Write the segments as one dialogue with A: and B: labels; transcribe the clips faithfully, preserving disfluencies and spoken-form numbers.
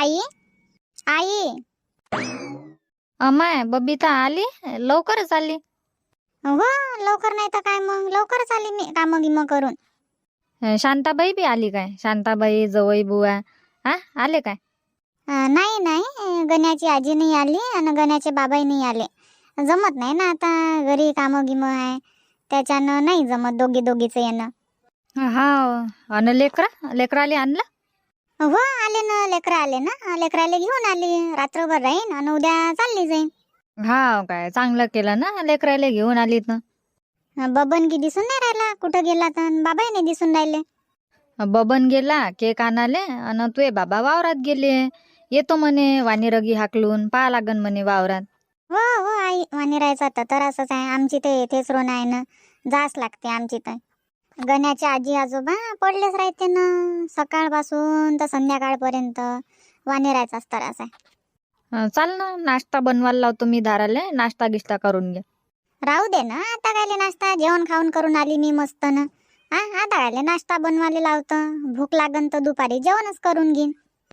A: आई आई
B: अमाय बबिता आली लवकरच आली.
A: हो लवकर नाही तर काय मग लवकरच आली मी कामं गिमं करून.
B: अं, शांताबाई बी आली काय? शांताबाई जवई बुवा हा आले काय?
A: अं, नाही नाही अं, गण्याची आजी नाही आली आणि गण्याचे बाबाही नाही आले. जमत नाही ना आता घरी कामं गिमं आहे त्याच्यानं नाही जमत दोघी दोघीचं येणं.
B: हा अन लेकरा लेकराले आणलं?
A: हो आले ना लेकरं आले ना लेकराले घेऊन आली रात्रभर राहीन आणि उद्या चालली जाईन.
B: हा काय चांगलं केलं ना लेकराले घेऊन आली तर.
A: अं, बबन की दिसून नाही राहिला कुठं गेला तर बाबाही नाही दिसून राहिले.
B: बबन गेला केक आणाले अन तुझे बाबा वावरात गेले. येतो म्हणे वाणीरगी हाकलून पहा लागन म्हणे वावरात.
A: हो हो आई वाणीरायचा तर तर असंच आहे आमची ते येथेच रोन आहे ना जास लागते आमची तर. गण्याचे आजी आजोबा पडलेच राहते ना सकाळपासून तर संध्याकाळपर्यंत वाणीरायचाच त्रास आहे.
B: अं, चाल ना नाश्ता बनवायला लावतो मी दाराले नाश्ता गिश्ता करून घे.
A: राहू दे ना आता कायले नाश्ता जेवण खाऊन करून आली मी मस्त ना. हा आता कायले नाश्ता बनवायला लावतं भूक लागन तर दुपारी जेवणच करून घेईन.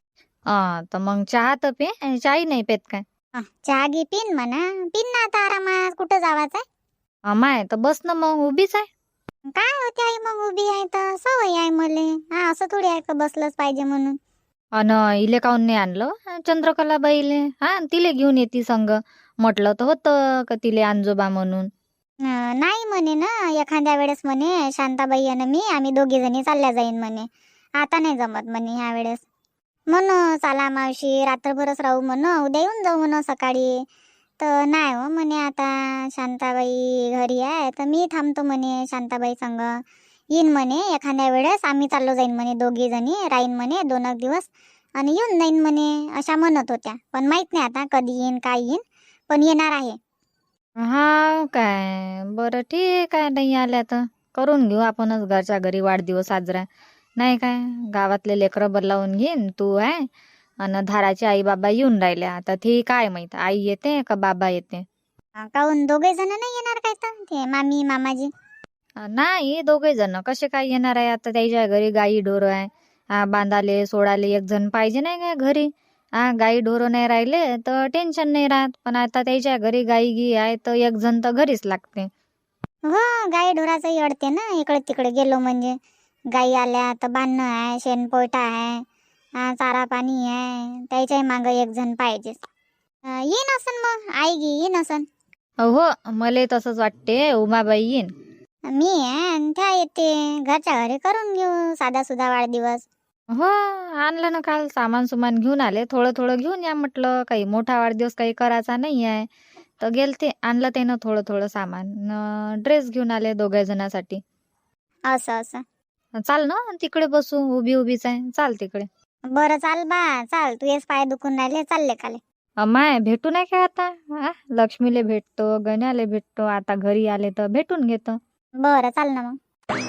B: हा तर मग चहा तर पे चाही नाही पेत काय?
A: हा, चहा घे पिन म्हणा पिन ना आता आरामात कुठं जावाच आहे.
B: अमाय तर बस ना मग उभीच आहे.
A: काय होते आई मग उभी आहे तर सवय आहे मले. हा असं थोडी आहे का बसलंच पाहिजे म्हणून.
B: अन इले काऊन नाही आणलं चंद्रकलाबाईले? हा तिले घेऊन येते संग म्हटलं तर होतं का तिले आणजोबा म्हणून.
A: अं, नाही म्हणे ना एखाद्या वेळेस म्हणे शांताबाई आणि मी आम्ही दोघी जणी चालल्या जाईन म्हणे. आता नाही जमत म्हणे ह्या वेळेस. म्हण चला मावशी रात्रभरच राहू म्हण उद्या येऊन जाऊ म्हण सकाळी. तर नाही हो म्हणे आता शांताबाई घरी आहे तर मी थांबतो म्हणे शांताबाई संग. येईन म्हणे एखाद्या वेळेस आम्ही चाललो जाईन म्हणे दोघी जणी राहीन म्हणे दोन एक दिवस आणि येऊन जाईन म्हणे अशा म्हणत होत्या. पण माहित नाही आता कधी येईन काय येईन पण येणार आहे.
B: हा काय बरं ठीक आहे नाही आल्या तर करून घेऊ आपणच घरच्या घरी वाढदिवस साजरा. नाही काय गावातले लेकरं बोलावून घेईन तू आहे आणि धाराचे आई बाबा येऊन राहिल्या आता ते काय माहित आई येते का बाबा येते.
A: अं, काहून दोघे जण नाही येणार काय तर ते मामी मामाजी.
B: नाही दोघे जण कसे काय येणार आहे आता त्याच्या घरी गाई ढोर आहे. हा बांधाले सोडाले एक जण पाहिजे नाही काय घरी. हा गाई ढोर नाही राहिले तर टेन्शन नाही राहत पण आता त्याच्या घरी गाई गी आहे तर एक जण तर घरीच लागते.
A: हो गाई ढोराचंही अडते ना इकडे तिकडे गेलो म्हणजे. गाई आल्या तर बांधणं आहे शेणपोयटा आहे हा, चारा पाणी आहे त्याच्याही मागं एक जण पाहिजेच. अं, येईन असन मग आई गी येईन असन.
B: हो मला तसंच वाटते उमाबाई येईन.
A: मी आहे आणि त्या येते घरच्या घरी करून घेऊ साधा सुधा वाढदिवस.
B: हो आणलं ना काल सामान सुमान घेऊन आले थोडं थोडं घेऊन या म्हटलं काही मोठा वाढदिवस काही करायचा नाही आहे तर गेलते आणलं त्यानं थोडं थोडं सामान ड्रेस घेऊन आले दोघ्या जणांसाठी.
A: असं असं.
B: चाल ना तिकडे बसू उभी उभीच आहे चाल तिकडे.
A: बरं चाल बा चाल तू येस पाय दुखून राहिले चालले काले.
B: अमाय भेटू नाही काय आता हा लक्ष्मीले भेटतो गण्याले भेटतो आता घरी आले तर भेटून घेतो.
A: बरं चाल ना मग.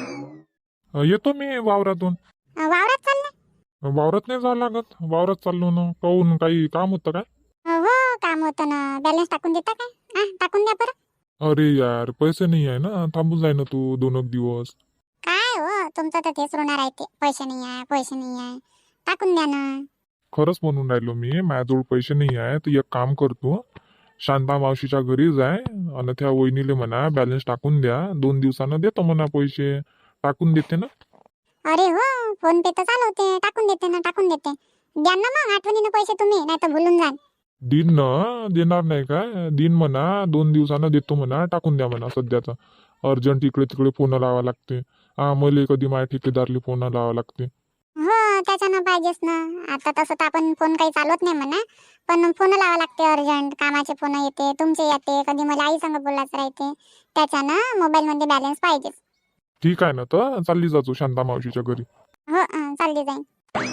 C: अ, येतो मी वावरातून.
A: अं, वावरात चालले.
C: वावरात नाही जावं लागत वावरात चाललो ना काहून काही काम होतं काय?
A: अं, हो काम होतं ना बॅलन्स टाकून देता काय. हा टाकून द्या बरं.
C: अरे यार पैसे नाही आहे ना थांबून जाय ना तू दोन एक दिवस.
A: काय हो तुमचं तर तेच रोणार आहे ते पैसे नाही आहे पैसे नाही आहे टाकून द्या ना.
C: खरंच म्हणून राहिलो मी माझ्याजवळ पैसे नाही आहे तर एक काम करतो शांता मावशीच्या घरी जाय आणि त्या वहिनीले म्हणा बॅलन्स टाकून द्या दोन दिवसानं देतो म्हणा पैसे टाकून देते ना.
A: अरे हो फोन पे तर चालवते टाकून देते ना टाकून देते. द्या ना मग आठवणीनं पैसे तुम्ही नाही तर भुलून जाल.
C: दिन ना देणार नाही काय दिन म्हणा दोन दिवसानं देतो म्हणा टाकून द्या म्हणा सध्याचा अर्जंट इकडे तिकडे फोन लावा लागते. हा मले कधी माझ्या ठेकेदारले फोन लावा लागते.
A: हो त्याच्यानं पाहिजेच ना. आता तसं तर आपण फोन काही चालवत नाही म्हणा पण फोन लावा लागते अर्जंट कामाचे फोन येते तुमचे येते कधी मला आई संग बोलायचं राहते त्याच्यानं मोबाईल मध्ये बॅलन्स पाहिजेच.
C: ठीक आहे ना तर चालली जातो शांता मावशीच्या घरी.
A: हो अं, चालली जाईन.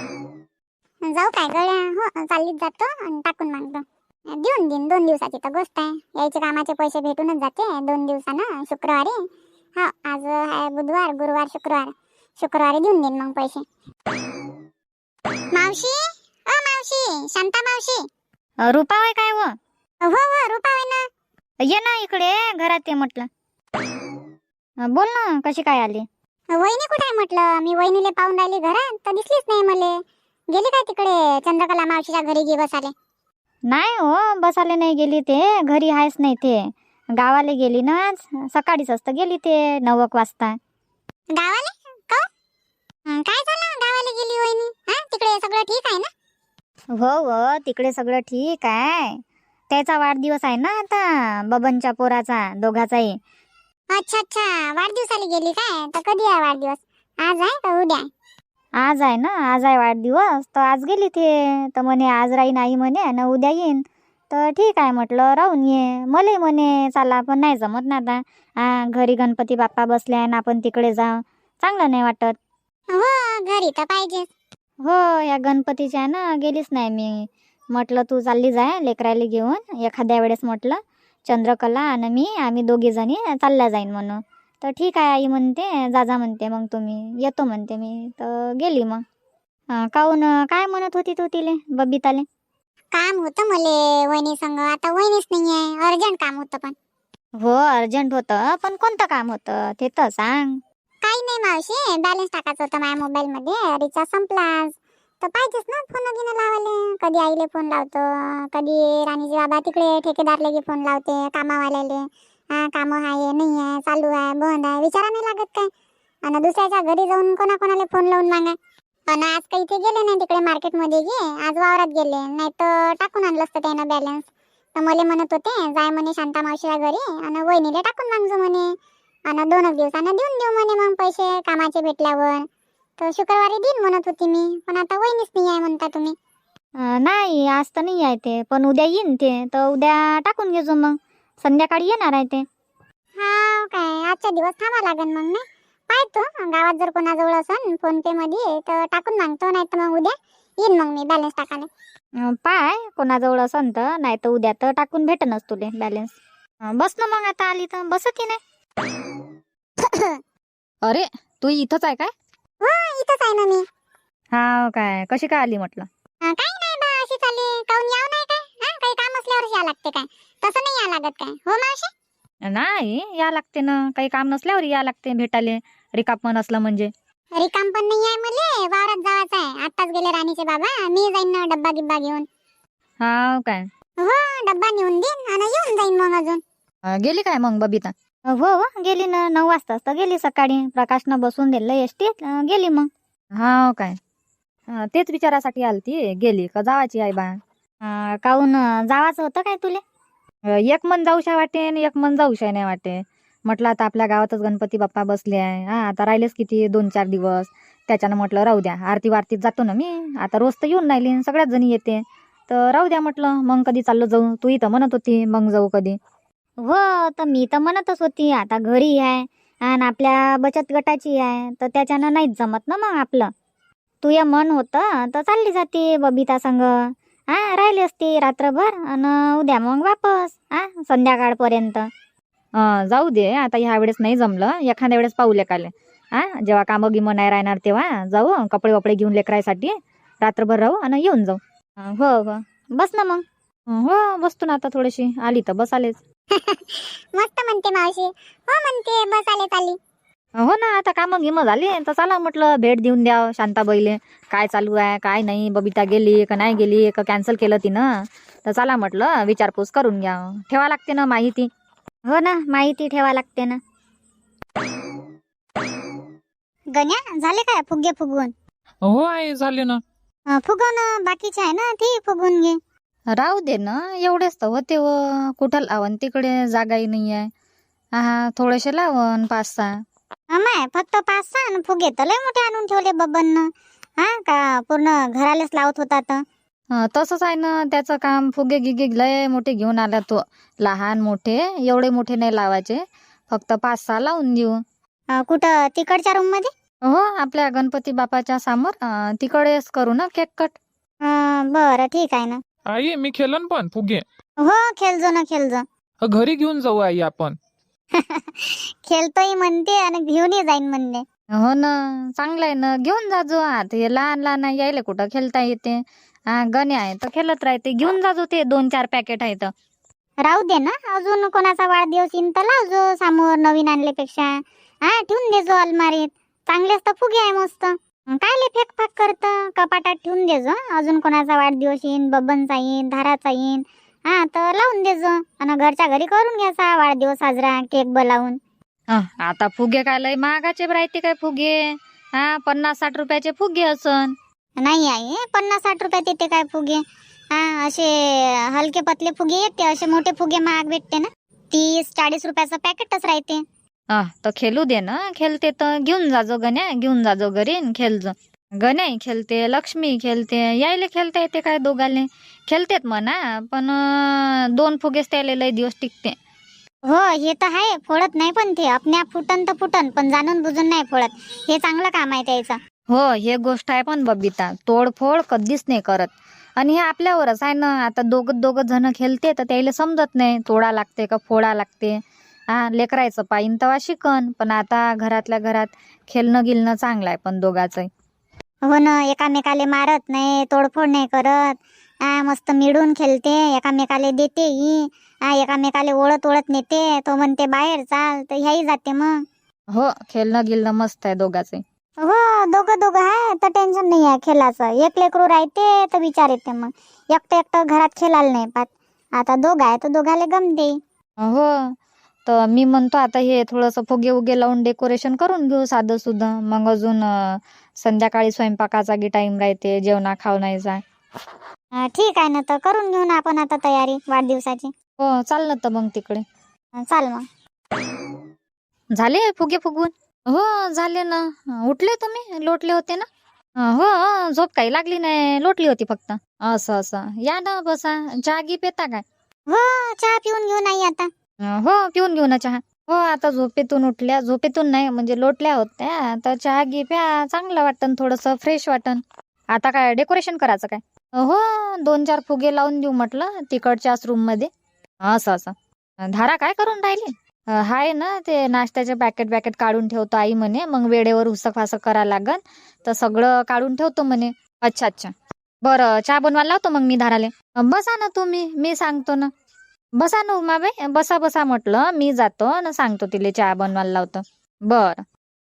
A: जाऊ काय गड्या हो चाललीच जातो आणि टाकून मागतो. देऊन देईन दोन दिवसाची तर गोष्ट आहे यायचे कामाचे पैसे भेटूनच जाते दोन दिवसानं शुक्रवारी. हा आज आहे बुधवार गुरुवार शुक्रवार शुक्रवारी देऊन देईन मग पैसे. मावशी अ मावशी शांता मावशी.
B: अ, रुपा होय काय व
A: हो हो रुपा आहे ना.
B: ये ना इकडे घरात ये म्हटलं. अ, बोल ना कशी काय आली?
A: वहिनी कुठे आहे म्हटलं मी वहिनीले पाहून राहिली घरात तर दिसलीच नाही मले. गेली काय तिकडे चंद्रकला मावशीच्या घरी गे बसाले?
B: नाही हो, बसाले नाही गेली ते, घरी आहेच नाही ते. गावाला गेली ना आज, सकाळीच असतं गेली ते नऊ एक वाजता.
A: गावाले का? हं, काय झालं गावाला गेली वहिनी? हा, तिकडे सगळं ठीक आहे ना?
B: हो हो, तिकडे सगळं ठीक आहे. त्याचा वाढदिवस आहे ना आता, बबनच्या पोराचा, दोघाचाही.
A: अच्छा अच्छा, वाढदिवसाला गेली काय? तर कधी आहे वाढदिवस? आज आहे का उद्या?
B: आज आहे ना, आज आहे वाढदिवस, तर आज गेली ते. तर म्हणे आज राहीन आई म्हणे ना उद्या येईन. तर ठीक आहे म्हटलं, राहून ये. मलाही म्हणे चला, पण नाही जमत ना आता. हा, घरी गणपती बाप्पा बसले आहे ना, आपण तिकडे जाऊ, चांगलं नाही वाटत.
A: हो, घरी तर पाहिजे.
B: हो, या गणपतीच्या ना गेलीच नाही मी. म्हटलं तू चालली जाय लेकरायला घेऊन एखाद्या वेळेस, म्हटलं चंद्रकला आणि मी आम्ही दोघी जणी चालल्या जाईन म्हणून. तर ठीक आहे आई म्हणते, जा जा म्हणते, मग तुम्ही येतो म्हणते मी. तर गेली मग. अं, काहून काय म्हणत होती तू तिले, बबिताले?
A: काम होतं मले वहिनी संग, आता वहिनीच नाहीये, अर्जंट काम होतं. पण
B: हो, अर्जंट होतं, पण कोणतं काम होतं ते तर सांग.
A: काही नाही मावशी, बॅलन्स टाकायचं होतं माझ्या मोबाईल मध्ये, रिचार्ज संपला आज. तर पाहिजेच ना फोन घेणं लावाले. कधी आईले फोन लावतो, कधी राणीजी बाबा तिकडे ठेकेदारले गे फोन लावते, कामावाल्याले. हा, काम आहे नाही आहे, चालू आहे बंद आहे, विचारा नाही लागत काय. आणि दुसऱ्याच्या घरी जाऊन कोणाकोणाला फोन लावून मागा. पण आज काही ते गेले नाही तिकडे मार्केटमध्ये गे, आज वावरात गेले, नाही तर टाकून आणलं असतं त्यानं बॅलन्स. तर मला म्हणत होते जाय म्हणे शांता मावशीच्या घरी आणि वहिनीले टाकून मागजो म्हणे, आणि दोनच दिवसानं देऊन देऊ म्हणे मग पैसे कामाचे भेटल्यावर. तर शुक्रवारी देईन म्हणत होती मी, पण आता वहिनीच नाही आहे म्हणता तुम्ही.
B: अं, नाही आज तर नाही आहे ते, पण उद्या येईन ते, तर उद्या टाकून घेजो मग. संध्याकाळी येणार आहे ते.
A: हा काय, आजच्या दिवस थांबा लागेल मग. नाही पाहतो गावात जर कोणाजवळ असन फोन पे मध्ये तर टाकून मागतो, नाही तर मग उद्या येईन मग मी बॅलन्स टाकायला.
B: अं, पाय कोणाजवळ असन तर, नाही तर उद्या तर टाकून भेटनच तुले बॅलन्स. अं, बस ना मग, आता आली तर बस की नाही. अरे तू इथंच आहे काय?
A: हो, इथंच आहे ना मी.
B: हा काय, कशी काय आली म्हटलं?
A: अं, काही नाही बा, अशी चालली. काहून याव नाही काय? हा, काही काम असल्यावर या लागते काय? तसं नाही या लागत काय हो मावशी?
B: नाही, या लागते ना, काही काम नसल्यावर या लागते भेटाले, रिकापण असलं म्हणजे.
A: रिकाम पण नाही आहे मले, वावरात जायचं आहे. आत्ताच गेले राणीचे बाबा, मी जाईन ना डब्बा गिब्बा घेऊन.
B: हा काय,
A: हो, डब्बा नेऊन देईन आणि येऊन जाईन मग अजून.
B: अं, गेली काय मग बबिता? हो हो, गेली ना, नऊ वाजताच तर गेली सकाळी. प्रकाशनं बसून दिलं एसटीत, गेली मग. हा काय, अं, तेच विचारासाठी आलती, गेली का जावाची आहे बा. अं, काहून जावाचं होतं काय तुले? अं, एक मन जाऊशा वाटे आणि एक मन जाऊशा नाही वाटे. म्हटलं आता आपल्या गावातच गणपती बाप्पा बसले आहे, हा आता राहिलेच किती दोन चार दिवस. त्याच्यानं म्हटलं राहू द्या, आरती वारतीत जातो ना मी, आता रोज तर येऊन राहिली, सगळ्याच जणी येते, तर राहू द्या म्हटलं, मग कधी चाललो जाऊ. तू इथं म्हणत होती मग जाऊ कधी. हो, तर मी तर म्हणतच होती आता घरी आहे आणि आपल्या बचत गटाची आहे, तर त्याच्यानं नाहीच जमत ना मग आपलं. तू या मन होतं तर चालली जाते बबिता संग, हा राहिली असती रात्रभर आणि उद्या मग वापस हा संध्याकाळपर्यंत. अं, जाऊ दे, आता ह्या वेळेस नाही जमलं, एखाद्या वेळेस पाहू लेकाले. हा, जेव्हा कामं गिमं नाही राहणार तेव्हा जाऊ, कपडे वपडे घेऊन लेकरायसाठी रात्रभर राहू आणि येऊन जाऊ. अं, हो हो, बस ना मग. अं, हो बसतो ना, आता थोडीशी आली तर बस आलेच.
A: मस्त म्हणते मावशी. हो म्हणते, बस आले चालली.
B: हो ना, आता कामं गिमं झाली तर चला म्हटलं भेट देऊन द्या शांताबाईले, काय चालू आहे काय नाही, बबिता गेली का नाही गेली का कॅन्सल केलं तिनं, तर चला म्हटलं विचारपूस करून घ्या. ठेवा लागते ना माहिती. हो ना, माहिती ठेवा लागते ना.
A: गण्या, झाले काय फुगे फुगवून?
C: हो आहे, झाले ना.
A: अं, फुगवणं बाकीचे आहे ना, ते फुगवून घे.
B: राहू दे ना, एवढेच तर होते व कुठं लावण, तिकडे जागाही नाही आहे. हा, थोडेसे लावण पाच सहा.
A: अमाय, फक्त पाच सहा न फुगे तर लय मोठे आणून ठेवले बबन. हा का, पूर्ण घरालेच लावत होता तर.
B: हं, तसंच आहे ना त्याचं काम. फुगे गिगे लय मोठे घेऊन आला तो, लहान मोठे एवढे मोठे नाही लावायचे, फक्त पाच सहा लावून देऊ.
A: अं, कुठं तिकडच्या रूम मध्ये?
B: हो, आपल्या गणपती बापाच्या समोर, अं, तिकडेच करू ना केक कट.
A: अं, बरं ठीक आहे ना.
C: आई मी खेळन पण फुगे.
A: हो, खेळजो ना खेळजो.
C: घरी घेऊन जाऊ आई आपण.
A: खेळतोय म्हणते आणि घेऊनही जाईन म्हणते.
B: हो ना, चांगलं आहे ना, घेऊन जाजो. आता हे लहान लहान आहे, यायला कुठं खेळता येते. हा, गणे आहे तर खेळत राहते, घेऊन जाजो. ते दोन चार पॅकेट आहे तर
A: राहू दे ना, अजून कोणाचा वाढदिवस येईन तर लावजो समोर नवीन आणल्यापेक्षा. हा, ठेवून देजो अलमारीत. चांगलेच तर फुगे आहे मस्त. काय ले फेक फाक करतं, कपाटात ठेवून देजो. अजून कोणाचा वाढदिवस येईन, बबनचा येईन, धाराचा येईन, हा तर लावून देजो. आणि घरच्या घरी करून घ्यायचा वाढदिवस साजरा, केक बोलावून.
B: अं, आता फुगे काय लय महागाचे राहते काय फुगे? हा पन्नास साठ रुपयाचे फुगे असन.
A: नाही आहे, पन्नास साठ रुपयात येते काय फुगे? हा असे हलके पतले फुगे येते, असे मोठे फुगे महाग भेटते ना. तीस चाळीस रुपयाचं पॅकेटच राहते.
B: अं, तर खेळू दे ना. खेळते तर घेऊन जाजो गण्या, घेऊन जाजो घरी न खेळजो. गण्याही खेळते, लक्ष्मी खेळते, यायले खेळता येते काय दोघाले? खेळतेत म्हणा, पण अं, दोन फुगेच त्याले लय दिवस टिकते.
A: हो हे तर आहे, फोडत नाही पण ते आपल्या फुटन तर फुटन, पण जाणून बुजून नाही फोडत. हे चांगलं काम आहे त्याचं.
B: हो हे गोष्ट आहे पण बबिता, तोडफोड कधीच नाही करत. आणि हे आपल्यावरच आहे ना. आता दोघं दोघं जण खेळते तर त्याला समजत नाही तोडा लागते का फोडा लागते. हा लेकरायचं पाहिन तवा शिकन, पण आता घरातल्या घरात खेळणं गिलणं चांगलं आहे पण दोघांचं.
A: हो ना, एकामेकाले मारत नाही, तोडफोड नाही करत. आ मस्त मिळून खेळते, एकामेकाले देते ही. आ एकामेकाले ओळत ओळत नेते, तो म्हणते बाहेर चाल तर ह्याही जाते मग.
B: हो खेळणं गिलणं मस्त आहे दोघांचं.
A: हो दोघं दोघं आहे तर टेन्शन नाही आहे खेळाचं. एक लेकरू राहते तर विचार येते मग. एकटं एकटं घरात खेळायला नाही पाहत. आता दोघं आहे तर दोघाले गमते.
B: हो तर मी म्हणतो आता हे थोडंसं फुगे उगे लावून डेकोरेशन करून घेऊ साधं सुद्धा. मग अजून अं, संध्याकाळी स्वयंपाकाचा गी टाइम राहते, जेवणा खावण्याचा.
A: अं, ठीक आहे ना, तर करून घेऊ ना आपण आता तयारी वाढदिवसाची.
B: हो चाल ना तर मग तिकडे.
A: अं, चाल मग.
B: झाले फुगे फुगवून? हो झाले ना. उठले तुम्ही? लोटले होते ना? अं, हो झोप काही लागली नाही, लोटली होती फक्त. असं असं या ना बसा. चहा गी पेता काय?
A: हो चहा पिऊन घेऊ नाही आता.
B: अं, हो पिऊन घेऊ ना चहा. हो आता झोपेतून उठल्या, झोपेतून नाही म्हणजे लोटल्या होत्या तर चहा घे प्या, चांगलं वाटन, थोडंसं फ्रेश वाटन. आता काय डेकोरेशन करायचं काय? हो दोन चार फुगे लावून देऊ म्हटलं तिकडच्याच रूम मध्ये. असं असं धारा काय करून राहिली? अं, हाय ना ते नाश्त्याचे पॅकेट पॅकेट काढून ठेवतो आई म्हणे, मग वेळेवर उसक फासक करा लागन तर सगळं काढून ठेवतो म्हणे. अच्छा अच्छा बरं चहा बनवायला लावतो मग मी धाराले. अं, बसा ना तुम्ही, मी सांगतो ना. बसा ना उमाबाई, बसा बसा म्हटलं, मी जातो ना सांगतो तिले चहा बनवायला लावतो. बर.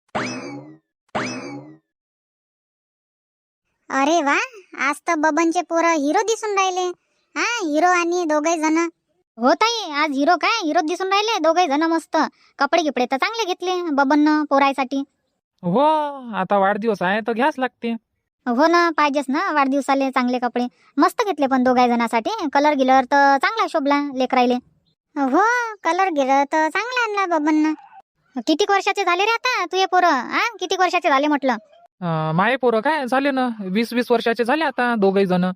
A: अरे वा, आज तर बबनचे पोरं हिरो दिसून राहिले. हा हिरो आणि दोघे जण. हो ताई, आज हिरो काय हिरो दिसून राहिले दोघे जण. मस्त कपडे गिपडे तर चांगले घेतले बबन पोरायसाठी.
D: हो आता वाढदिवस आहे तर घ्याच लागते.
A: हो ना, पाहिजेच ना वाढदिवसाले चांगले कपडे. मस्त घेतले पण दोघा जणांसाठी. कलर गिलर तर चांगला शोभला लेकरायले. हो कलर गिलर तर चांगला आणला बबन. किती वर्षाचे झाले रे आता तुझे पोरं? हा किती वर्षाचे झाले म्हटलं?
D: अं, माये पोरं काय झाले ना वीस वीस वर्षाचे झाले आता दोघही जण.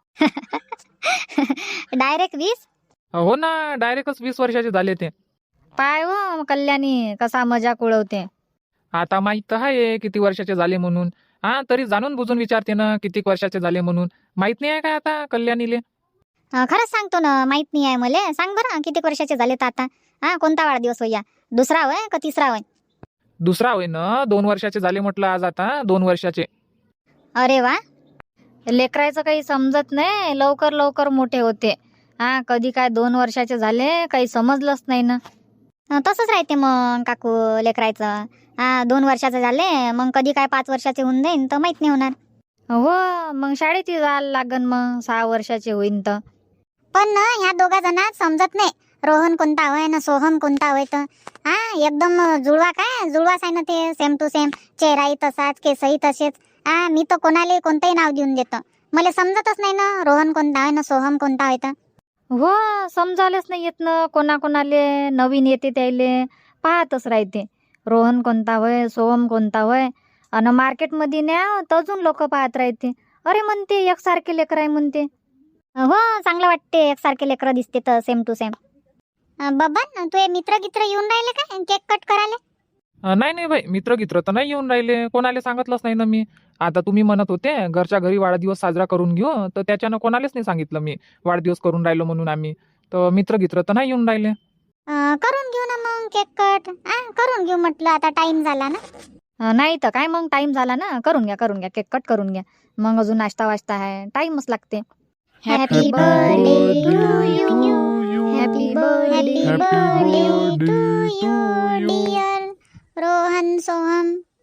A: डायरेक्ट वीस?
D: हो ना डायरेक्टच वीस वर्षाचे झाले ते.
B: पाय हो कल्याणी कसा मजाक उडवते.
D: आता माहित तर आहे किती वर्षाचे झाले म्हणून. हा तरी जाणून बुजून विचारते ना किती वर्षाचे झाले म्हणून. माहित नाही आहे काय आता कल्याणीले?
A: अं, खरंच सांगतो ना, माहित नाही आहे मला. सांग बरं किती वर्षाचे झाले तर आता? हा कोणता वाढदिवस होया? दुसरा होय का तिसरा होय?
D: दुसरा होय ना, दोन वर्षाचे झाले म्हटलं आज आता दोन वर्षाचे.
A: अरे वा.
B: लेकरायचं काही समजत नाही, लवकर लवकर मोठे होते. हा कधी काय दोन वर्षाचे झाले काही समजलंच नाही ना.
A: अं, तसंच राहते मग काकू लेकरायचं. हा दोन वर्षाचे झाले मग कधी काय पाच वर्षाचे होऊन जाईन तर माहित नाही होणार.
B: हो मग शाळेत जायला लागन मग सहा वर्षाचे होईन तर.
A: पण ना ह्या दोघा जणात समजत नाही रोहन कोणता होय ना सोहम कोणता होय. तर हा एकदम जुळवा काय जुळवाच आहे ना ते, सेम टू सेम. चेहराही तसाच, केसही तसेच. हा मी तर कोणाला कोणतंही नाव देऊन देतो. मला समजतच नाही ना रोहन कोणता होय ना सोहम कोणता होय. तर
B: हो समजायलाच नाही येत ना कोणाकोणाले. नवीन येते त्याले पाहतच राहते रोहन कोणता होय, सोहम कोणता होय. आणि मार्केटमध्ये न्या तर अजून लोक पाहत राहते. अरे म्हणते एकसारखे लेकर आहे म्हणते.
A: हो चांगलं वाटते एकसारखे लेकरं दिसते तर सेम टू सेम. बबन तुझे मित्र गित्र येऊन राहिले काय केक कट करायला?
D: अं, नाही नाही बाई मित्र गित्र तर नाही येऊन राहिले. कोणाला सांगितलंच नाही ना मी. आता तुम्ही म्हणत होते घरच्या घरी वाढदिवस साजरा करून घेऊ तर त्याच्यानं कोणालाच नाही सांगितलं मी वाढदिवस करून राहिलो म्हणून आम्ही. तर मित्र गित्र तर नाही येऊन राहिले.
A: अं, करून घेऊ ना मग केक कट. हा करून घेऊ म्हटलं, आता टाइम झाला ना.
B: अं, नाही तर काय मग टाइम झाला ना. करून घ्या करून घ्या केक कट करून घ्या. मग अजून नाश्ता वाजता आहे, टाइमच लागते.
A: Happy birthday to you. Happy birthday to you dear Rohan Soham.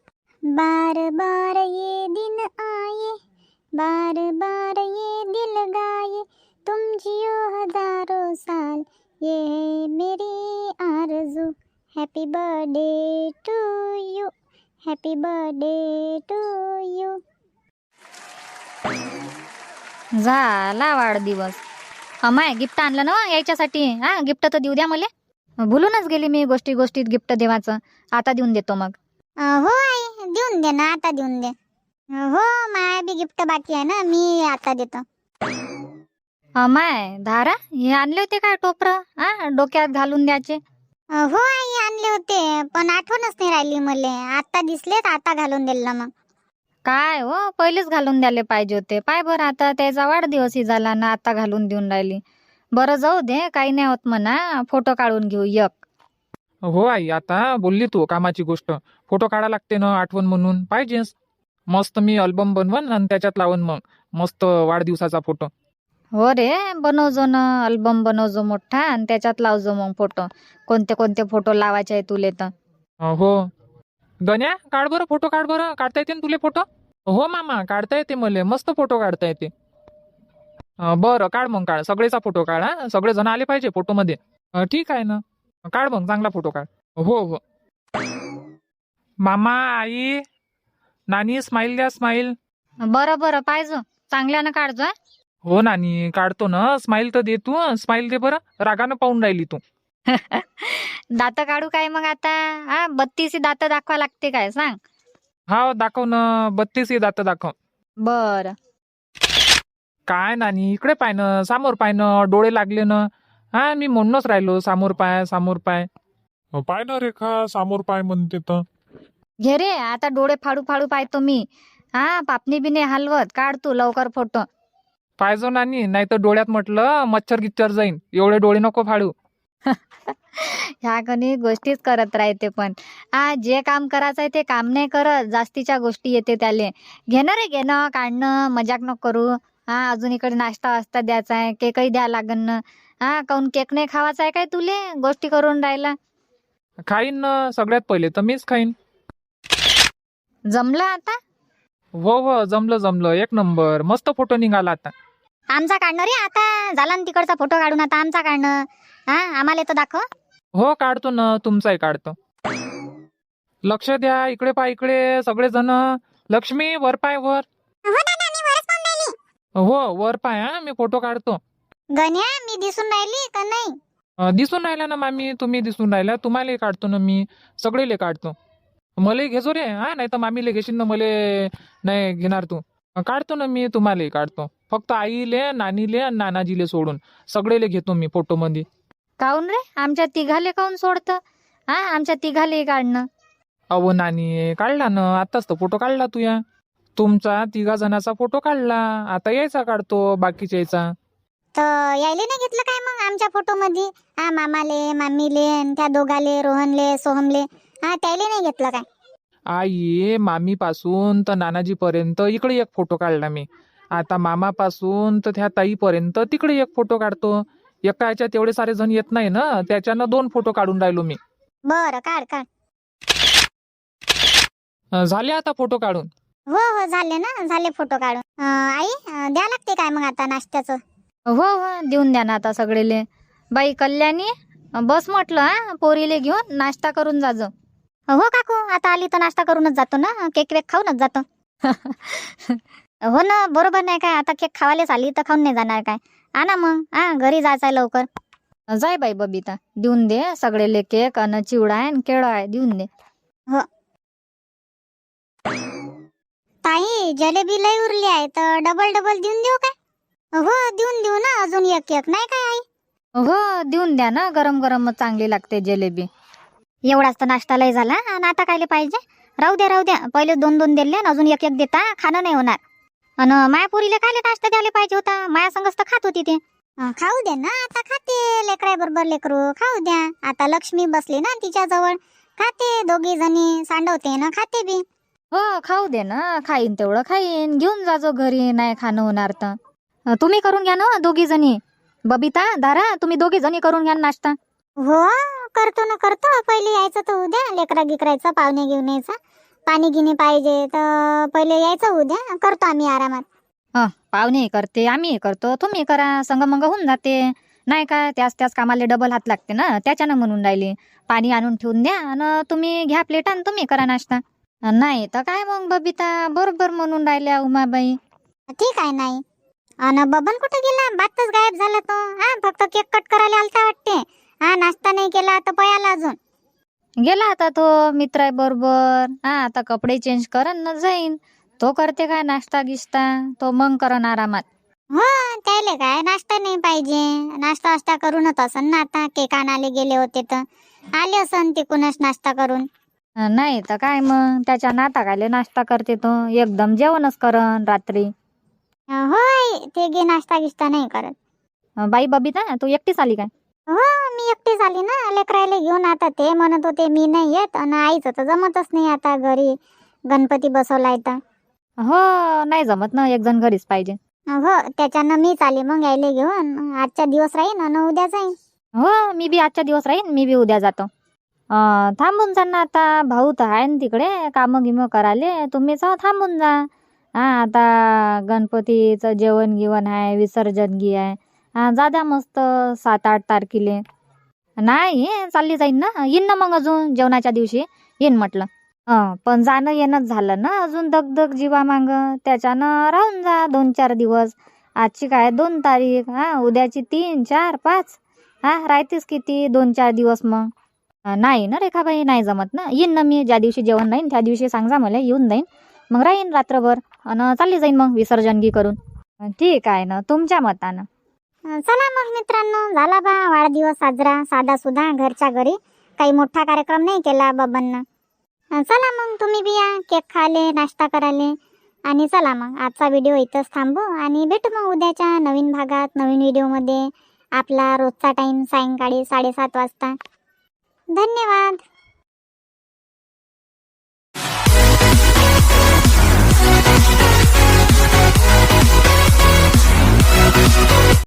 A: बार बार ये दिन आए, बार बार ये दिल गाए, तुम जियो हजारों साल, ये है मेरी आरज़ू. Happy birthday to you, happy birthday to you.
B: झाला वाढदिवस. अमाय गिफ्ट आणलं ना यायच्यासाठी. हा गिफ्ट तर देऊ द्या मला. भुलूनच गेली मी गोष्टी गोष्टीत गिफ्ट देवाचं. आता देऊन देतो मग.
A: अं, हो आई देऊन दे ना, आता देऊन दे. अं, हो माय बी गिफ्ट बाकी आहे ना, मी आता देतो.
B: अमाय धारा हे आणले होते काय टोपरं? हा डोक्यात घालून द्यायचे.
A: अं, हो आई आणले होते, पण आठवणच नाही राहिली मले. आता दिसले तर आता घालून दिलं मग.
B: काय हो पहिलेच घालून द्यायला पाहिजे होते. पाय बरं आता त्याचा वाढदिवसही झाला ना आता घालून देऊन राहिली. बरं जाऊ दे काही नाही होत म्हणा. फोटो काढून घेऊ एक.
D: हो आई आता बोलली तू कामाची गोष्ट. फोटो काढा लागते ना आठवण म्हणून पाहिजेच. मस्त मी अल्बम बनवन आणि त्याच्यात लावून मग मस्त वाढदिवसाचा फोटो.
B: हो रे बनवजो ना अल्बम बनवजो मोठा आणि त्याच्यात लावजो मग फोटो. कोणते कोणते फोटो लावायचे आहे तुले तर.
D: अं, हो गण्या काढ बरं फोटो काढ बरं. काढता येते ना तुले फोटो? हो मामा काढता येते मले. मस्त फोटो काढता येते. अं, बरं काढ मग काढ सगळेचा फोटो काढ. हा सगळे जण आले पाहिजे फोटोमध्ये. अं, ठीक आहे ना काढ मग चांगला फोटो काढ. हो हो मामा आई नानी स्माईल द्या स्माईल.
B: बरं बरं पाहिजे चांगल्यानं काढजो. हा.
D: हो नानी काढतो ना. स्माईल तर दे तू. स्माईल दे बरं. रागानं पाहून राहिली तू.
B: दात काढू काय मग आता? हा बत्तीस दात दाखवा लागते काय सांग?
D: हा दाखव ना. बत्तीस दात दाखव.
B: बर
D: काय नानी इकडे पाय ना. समोर पाय ना. डोळे लागले ना. हा मी म्हणूनच राहिलो समोर पाय समोर पाय.
C: अं, पाय ना रेखा समोर पाय म्हणते तर.
B: घे रे आता डोळे फाडू फाडू पाहतो मी. हा पापणी बिने हलवत काढ तू लवकर फोटो.
D: पाहिजो नानी नाही तर डोळ्यात म्हटलं मच्छर गिच्चर जाईन. एवढे डोळे नको फाडू.
B: ह्या कधी गोष्टीच करत राहते पण. हा जे काम करायचं आहे ते काम नाही करत. जास्तीच्या गोष्टी येते त्याले. घेणं रे घेणं काढणं मजाक नको करू. हा अजून इकडे नाश्ता वास्ता द्यायचा आहे. केकही द्या लागन ना. हा काऊन केक नाही खावायचा आहे काय तुले? गोष्टी करून राहिला.
D: खाईन ना. सगळ्यात पहिले तर मीच खाईन.
B: जमलं आता?
D: हो हो जमलं जमलं एक नंबर. मस्त फोटो निघाला आता.
A: आमचा काढणं रे आता. झाला ना तिकडचा फोटो काढून, आता आमचा काढणं. हा आम्हाला तर दाखव.
D: हो काढतो ना. तुमचाही काढतो. लक्ष द्या इकडे पाय इकडे सगळे जण. लक्ष्मी वर पाय वर. हो वर पाय. हा मी फोटो काढतो.
A: गण्या मी दिसून राहिली का नाही?
D: अं, दिसून राहिला ना मामी. तुम्ही दिसून राहिला. तुम्हालाही काढतो ना मी. सगळेले काढतो. मलाही घेजो रे. हा नाही तर मामीले घेशील ना. मले नाही घेणार तू. अं, काढतो ना मी. तुम्हालाही काढतो. फक्त आईले नानीले आणि नानाजीले सोडून सगळेले घेतो मी फोटो मध्ये.
B: काऊन रे आमच्या तिघाले काऊन सोडतं? हा आमच्या तिघाले काढणं.
D: अहो नानी काढला ना. आताच तर फोटो काढला तू या. तुमचा तिघा जणाचा फोटो काढला. आता यायचा काढतो बाकीच्या यायचा.
A: तर यायले नाही घेतलं काय मग आमच्या फोटो मध्ये? हा मामाले मामीले आणि त्या दोघाले रोहनले सोहमले हा त्याले नाही घेतलं काय?
D: आई मामी पासून तर नानाजी पर्यंत इकडे एक फोटो काढला मी. आता मामा पासून तर त्या ताई पर्यंत तिकडे एक फोटो काढतो. एका याच्यात तेवढे सारे जण येत नाही ना. त्याच्यानं दोन फोटो काढून राहिलो मी.
A: बरं काढ काढ.
D: अं, झाले आता फोटो काढून.
A: हो हो झाले ना. झाले फोटो काढून. अं, आई अं, द्या लागते काय मग आता नाश्त्याचं?
B: हो हो देऊन द्या ना आता सगळेले. बाई कल्याणी बस म्हटलं. हा पोरीले घेऊन नाश्ता करून जाजो.
A: हो काकू आता आली तर नाश्ता करूनच जातो ना. केक वेक खाऊनच जातो. हो ना बरोबर नाही काय? आता केक खावायलाच आली तर खाऊन नाही जाणार काय? आणा मग. हा घरी जायचं आहे लवकर.
B: जाय बाई बबिता देऊन दे सगळेले केक अन चिवडा आहे केळं आहे देऊन दे.
A: ताई जलेबी लई उरली आहे तर डबल डबल देऊन देऊ काय? हो देऊन देऊ ना. अजून एक एक नाही काय आई?
B: हो देऊन द्या ना. गरम गरम चांगली लागते जलेबी.
A: एवढाच तर नाश्ता लय झाला आणि आता कायले पाहिजे? राहू द्या राहू द्या. पहिले दोन दोन दिले आणि अजून एक एक देता. खाणं नाही होणार. आणि मायापुरीला कायले नाश्ता द्यायला पाहिजे होता? माया संगच तर खात होती ते. अं, खाऊ दे ना आता खाते. लेकराय बरोबर लेकरू खाऊ द्या. आता लक्ष्मी बसली ना तिच्या जवळ. खाते दोघी जणी. सांडवते ना खाते बी.
B: हो खाऊ दे ना. खाईन तेवढं खाईन. घेऊन जाजो घरी नाही खाणं होणार तर. अं, तुम्ही करून घ्या ना दोघी जणी. बबिता दारा तुम्ही दोघी जणी करून घ्या ना नाश्ता.
A: हो करतो ना करतो. पहिले यायचं तर उद्या लेकरा गिकरायचं पाहुणे घेऊन यायचा. पाणी गिनी पाहिजे तर पहिले यायचं उद्या, करतो आम्ही आरामात.
B: हं, पाहुणे करते, आम्ही करतो, तुम्ही करा, संगमंग होऊन जाते. नाही काय त्याच त्याच कामाला डबल हात लागते ना, त्याच्यानं म्हणून राहिली. पाणी आणून ठेवून द्या आणि तुम्ही घ्या प्लेट आणि तुम्ही करा नाश्ता. नाही तर काय मग बबिता, बरोबर म्हणून राहिल्या उमाबाई.
A: ठीक आहे. नाही अन बबन कुठे गेला? बातच गायब झाला तो. हा फक्त केक कट करायला आलता वाटते. हा नाश्ता नाही केला तर पयाला अजून.
B: गेला आता तो मित्र बरोबर. हा आता कपडे चेंज करन न जाईन. तो करते काय नाश्ता गिश्ता, तो मग करन आरामात.
A: हो त्याले काय नाश्ता नाही पाहिजे, नाश्ता वास्ता करूनच असन ना. आता केक आणायला गेले होते तर आले असन तिकूनच नाश्ता करून.
B: नाही तर काय मग त्याच्या नाताकाले नाश्ता करते तो, एकदम जेवणच करन रात्री.
A: होय ते गे नाश्ता गिश्ता नाही करत.
B: बाई बबिता तू एकटीच आली काय?
A: हो मी एकटीच आली ना लेकरायला घेऊन. आता ते म्हणत होते मी नाही येत आणि आईचं तर जमतच नाही आता घरी गणपती बसवलाय तर.
B: हो नाही जमत ना, एक जण घरीच पाहिजे.
A: हो त्याच्यानं मीच आली मग यायले घेऊन. आजच्या दिवस राहीन आणि उद्या जाईन.
B: हो मी बी आजच्या दिवस राहीन, मी बी उद्या जातो. अं, थांबून जा ना आता, भाऊ तर आहे ना तिकडे कामं गिमं करायले, तुम्ही जाऊ थांबून जा. हा आता गणपतीचं जेवण गिवण आहे, विसर्जन गी आहे. हा जा द्या मस्त सात आठ तारखेले. नाही चालली जाईन ना, येईन ना मग अजून जेवणाच्या दिवशी येईन म्हटलं. हं पण जाणं येणंच झालं ना अजून दगदग जीवा मांग, त्याच्यानं राहून जा दोन चार दिवस. आजची काय दोन तारीख, हा उद्याची तीन चार पाच, हा राहतेच किती दोन चार दिवस मग. अं, नाही ना रेखाबाई नाही जमत ना. येईन ना मी ज्या दिवशी जेवण राहीन त्या दिवशी सांगा मला, येऊन जाईन मग राहीन रात्रभर आणि चालली जाईन मग विसर्जनगी करून. अं, ठीक आहे ना तुमच्या मतानं.
A: चला मग मित्रांनो, झाला बा वाढदिवस साजरा साधा सुद्धा घरच्या घरी. काही मोठा कार्यक्रम नाही केला बाबांना. चला मग तुम्ही बी या केक खाले नाश्ता कराले. आणि चला मग आजचा व्हिडिओ इथंच थांबू आणि भेटू मग उद्याच्या नवीन भागात नवीन व्हिडिओमध्ये. आपला रोजचा टाइम सायंकाळी साडेसात वाजता. धन्यवाद.